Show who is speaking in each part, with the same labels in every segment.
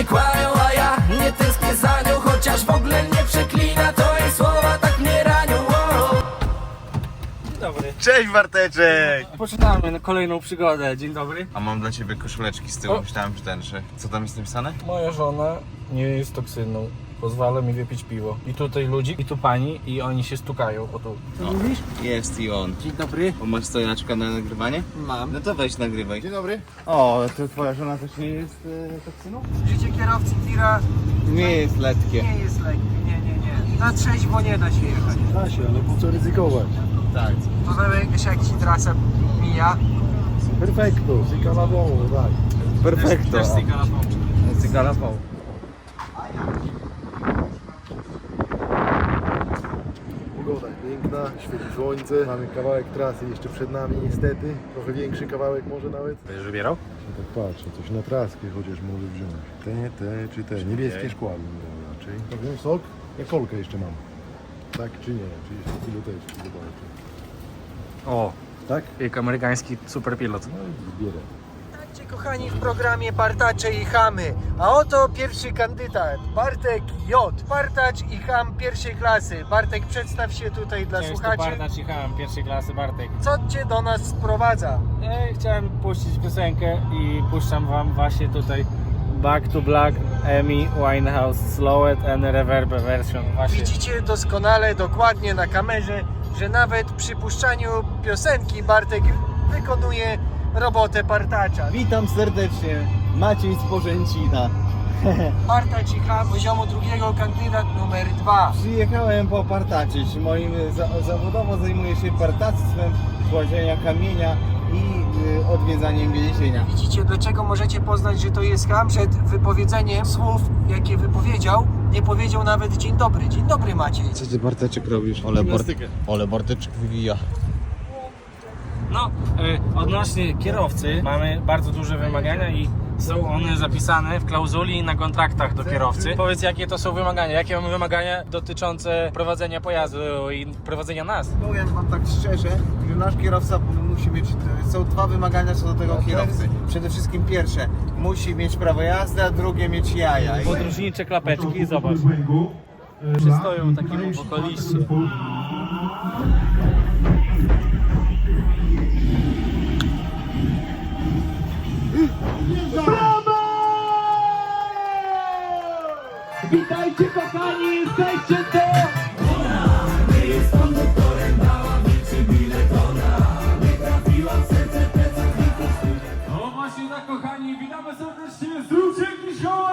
Speaker 1: kłamią, a ja nie tęsknię za nią. Chociaż w ogóle nie przeklina, to jej słowa tak mnie ranią.
Speaker 2: Dzień dobry.
Speaker 3: Cześć Barteczek!
Speaker 2: Poczynamy kolejną przygodę. Dzień dobry.
Speaker 3: A mam dla ciebie koszuleczki z tyłu, myślałem, że tęczy. Co tam jest napisane?
Speaker 2: Moja żona nie jest toksyną. Pozwala mi wypić piwo. I tutaj ludzi, i tu pani, i oni się stukają o tu. Co mówisz?
Speaker 3: Jest i on.
Speaker 2: Dzień dobry.
Speaker 3: O, masz stojaczka na nagrywanie?
Speaker 2: Mam.
Speaker 3: No to weź nagrywaj. Dzień dobry. O, to twoja żona też nie jest toksyną?
Speaker 4: Życie kierowcy tira
Speaker 3: Nie jest letkie.
Speaker 4: nie jest lekkie, nie. Na trzeźwo nie da się jechać.
Speaker 5: Da się, ale po co ryzykować?
Speaker 3: Tak.
Speaker 4: To wiesz jak ci trasa mija.
Speaker 5: Perfekto, si calavon, dai.
Speaker 3: Perfekto.
Speaker 2: Też
Speaker 3: Cygalapał.
Speaker 5: Pogoda jest piękna, świeci słońce. Mamy kawałek trasy jeszcze przed nami niestety. Trochę większy kawałek może nawet.
Speaker 2: Będziesz wybierał?
Speaker 5: Ja tak patrzę, coś na traskę chociaż mogę wziąć. Te czy te? Niebieskie szkła bym miał raczej. To wziąć sok? Ja kolkę jeszcze mam. Tak czy nie? Czy jeszcze piloteczki zobaczę.
Speaker 2: O,
Speaker 5: Tak?
Speaker 2: jak amerykański superpilot.
Speaker 5: No i zbierę.
Speaker 4: Witajcie kochani w programie Partacze i Chamy. A oto pierwszy kandydat, Bartek J. Partacz i Cham pierwszej klasy. Bartek, przedstaw się tutaj dla słuchaczy.
Speaker 2: Bartacz, jechałem pierwszej klasy, Bartek.
Speaker 4: Co cię do nas sprowadza?
Speaker 2: Chciałem puścić piosenkę i puszczam wam właśnie tutaj Back to Black, Amy Winehouse, Slowed and Reverb version. Właśnie.
Speaker 4: Widzicie doskonale, dokładnie na kamerze, że nawet przy puszczaniu piosenki Bartek wykonuje robotę partacza.
Speaker 3: Witam serdecznie. Maciej z Porzęcina.
Speaker 4: Partacz i Cham poziomu drugiego, kandydat numer 2.
Speaker 3: Przyjechałem popartaczyć. Moim zawodowo zajmuję się partactwem, kładzienia kamienia i odwiedzaniem więzienia.
Speaker 4: Widzicie, dlaczego możecie poznać, że to jest Cham? Przed wypowiedzeniem słów, jakie wypowiedział, nie powiedział nawet dzień dobry. Dzień dobry, Maciej.
Speaker 3: Co ty Barteczek robisz? Ole Barteczek wywija.
Speaker 2: No, odnośnie kierowcy mamy bardzo duże wymagania i są one zapisane w klauzuli na kontraktach do kierowcy. Powiedz, jakie to są wymagania? Jakie mamy wymagania dotyczące prowadzenia pojazdu i prowadzenia nas?
Speaker 6: Powiem wam tak szczerze, że nasz kierowca musi mieć, są dwa wymagania co do tego kierowcy. Przede wszystkim pierwsze, musi mieć prawo jazdy, a drugie mieć jaja.
Speaker 2: Podróżnicze klapeczki, zobacz. Przystoją takiemu wokaliście.
Speaker 7: Witajcie kochani, jesteście to! No właśnie tak kochani, witamy serdecznie z Ruciekiszowa!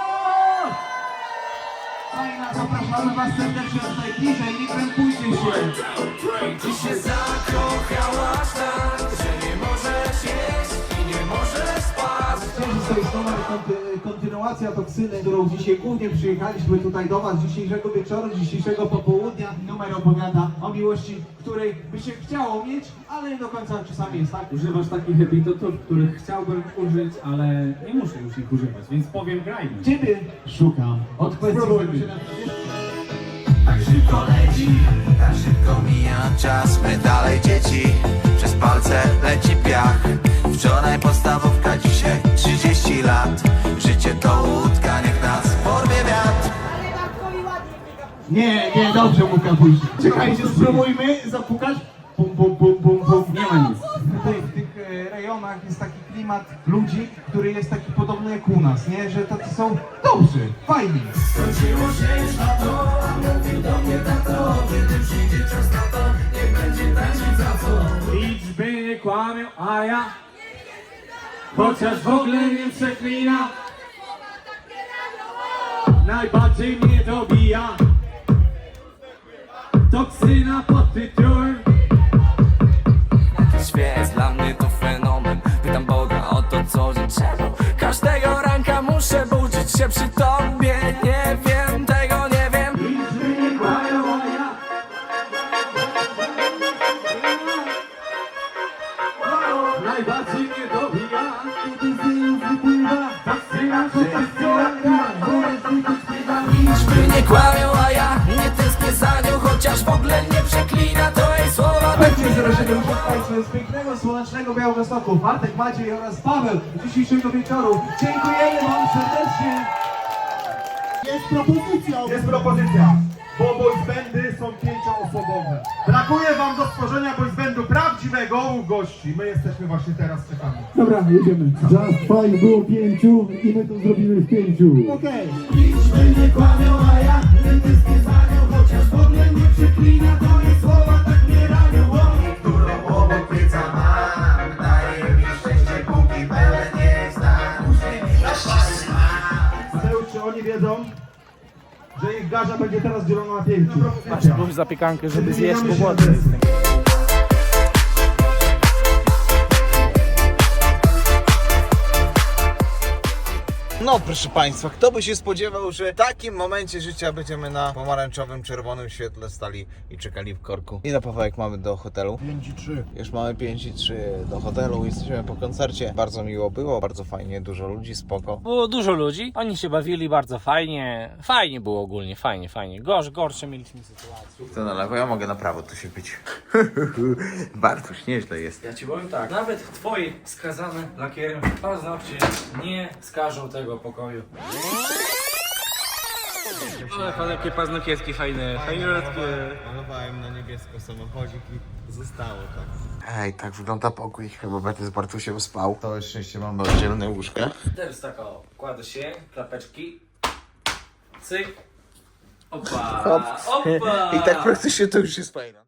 Speaker 7: Fajna, zapraszamy was serdecznie tutaj bliżej, nie krępujcie się!
Speaker 1: Ty się zakochałaś tak, że nie możesz jeść i nie możesz spać.
Speaker 7: Cześć, to jest nowa kontynuacja Toksyny, którą dzisiaj głównie przyjechaliśmy tutaj do was dzisiejszego wieczoru, dzisiejszego popołudnia. Numer opowiada o miłości, której by się chciało mieć, ale nie do końca czasami jest tak.
Speaker 8: Używasz takich epitotów, których chciałbym użyć, ale nie muszę już ich używać, więc powiem grajmy.
Speaker 7: Ciebie szukam. Odpowiedźmy się na
Speaker 1: Tak szybko leci, tak szybko mija czas. My dalej dzieci, przez palce leci piach. Wczoraj podstawówka, dzisiaj 30 lat. Życie to łódka, niech nas porwie wiatr.
Speaker 7: Nie, dobrze mu kapuś. Czekajcie, spróbujmy zapukać. Pum, pum, pum, pum, pum. Nie ma nic. Tutaj w tych rejonach jest taki klimat ludzi, który jest taki podobny jak u nas, nie? Że tacy są dobrzy, fajni.
Speaker 1: Skończyło się już na to, a mówił do mnie tato. Kiedy przyjdzie czas na to, nie będzie tańczyć za co.
Speaker 8: Liczby nie kłamią, a ja chociaż w ogóle nie przeklina, najbardziej mnie dobija toksyna pod tytułem.
Speaker 1: Świat dla mnie to fenomen. Pytam Boga o to, co życzę. Każdego ranka muszę budzić się przy tobie. Nie wiem, tego nie wiem.
Speaker 8: Liczby nie kłamią, a ja najbardziej mnie dobija toksyna pod tytułem.
Speaker 1: Liczby nie kłamią, a ja nie tęsknię za nią. Chociaż w ogóle nie przeklina, to jej słowa tak mnie
Speaker 7: Zapraszamy Państwa z pięknego, słonecznego Białegostoku. Bartek, Maciej oraz Paweł dzisiejszego wieczoru. Dziękujemy wam serdecznie.
Speaker 5: Jest propozycja, bo boysbandy są 5-osobowe. Brakuje wam do stworzenia boysbandu prawdziwego u gości. My jesteśmy właśnie teraz, czekamy.
Speaker 9: Dobra, jedziemy. Just Fine było 5 i my to zrobimy w 5. Okej.
Speaker 1: Nie kłamią, a ja wszystkie zanią, chociaż w ogóle nie przeklina, to nie słowa tak nie ranią. Którą obok pieca mam, daje mi szczęście, póki pełen jest na
Speaker 5: Mateusz, czy oni wiedzą, że ich garza będzie teraz dzielona na 5?
Speaker 2: Rób zapiekankę, żeby zjeść, bo głodny jestem.
Speaker 6: No proszę Państwa, kto by się spodziewał, że w takim momencie życia będziemy na pomarańczowym, czerwonym świetle stali i czekali w korku. Ile Pawełek mamy do hotelu?
Speaker 5: 5-3.
Speaker 6: Już mamy 5:03 do hotelu, jesteśmy po koncercie. Bardzo miło było, bardzo fajnie, dużo ludzi, spoko.
Speaker 2: Było dużo ludzi, oni się bawili bardzo fajnie. Fajnie było ogólnie, fajnie. Gorsze mieliśmy sytuacje.
Speaker 6: To na lewo, ja mogę na prawo tu się być. Bartuś, nieźle jest.
Speaker 2: Ja ci powiem tak, nawet twoi skazane lakierem paznokcie nie skażą tego pokoju. Ale jakie paznokietki fajne, fajniutkie.
Speaker 6: Malowałem na niebiesko samochodzik i zostało tak. Ej, tak wygląda pokój, chyba będę z Bartusiem spał. Całe szczęście mamy oddzielne łóżka.
Speaker 2: Teraz tak o, kładę się, klapeczki, cyk, opa, opa.
Speaker 6: I tak praktycznie to już jest fajne.